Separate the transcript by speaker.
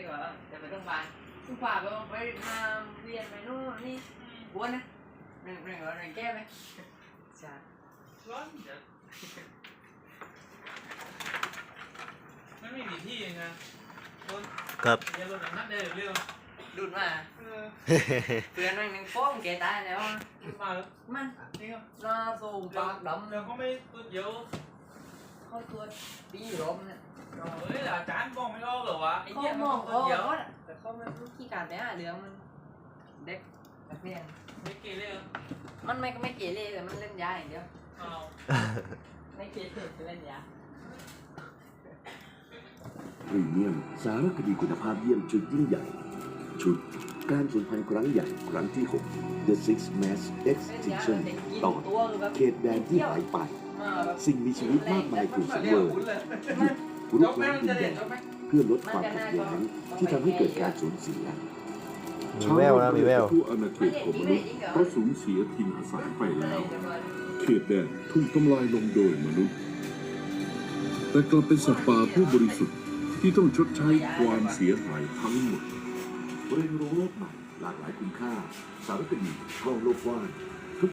Speaker 1: ก็จะไปต้องบานทุกฝ่ายไปมาเวียนไปนู่นนี่กวนนะหนึ่งแก้ไหมใช่
Speaker 2: ร้อนเดี๋ยวไม่มีที่เองนะครับเดี๋ยวรถนัดได้เร็ว
Speaker 1: ดูดมาเพื่อนนั่งหนึ่งโป้งแกตายแล้ว
Speaker 2: มาแล้ว
Speaker 1: มัน
Speaker 2: นี่ก็
Speaker 1: หน้าสูงปากดำ
Speaker 2: แล้วก็ไม่ตัวเดียว
Speaker 1: เขาตัวปีรมเนี่ย
Speaker 2: เฮ้ยอาจารย์มองไม่ออกเหรอวะไอ้
Speaker 1: เขา
Speaker 2: เหี้ย
Speaker 1: มอง
Speaker 2: ตัวเดียว
Speaker 1: แต่เขาไม่รู้ขี้การไปหาเรื่องมันเด็กนักเรียน
Speaker 2: ไม่เกเร
Speaker 1: มันไม่เกเรแต่มันเล่นยาอย่างเดียวไม่เกเรจะเล่นยา
Speaker 3: พรีเมียมสารคดีคุณภาพเยี่ยมชุดยิ่งใหญ่ชุดการสูญพันธุ์ครั้งใหญ่ครั้งที่ 6 The Six Mass Extinction ตอนเขตแดนที่หายไปสิ่งมีชีวิตมากมายถูกสังเวยรุกรานดินแดนเพื่อลดความขัดแย้งที่ทำให้เกิดการสูญเสีย
Speaker 4: มีแววนะมีแวว
Speaker 3: ทั่วอาณาเขตของมนุษย์ก็สูญเสียถิ่นอาศัยไปแล้วเขตแดนถูกทำลายลงโดยมนุษย์แต่กลับเป็นสัตว์ป่าผู้บริสุทธิ์ที่ต้องชดใช้ความเสียหายทั้งหมดเรียนรู้โลกใหม่หลากหลายคุณค่าสารคดีท่องโลกกว้าง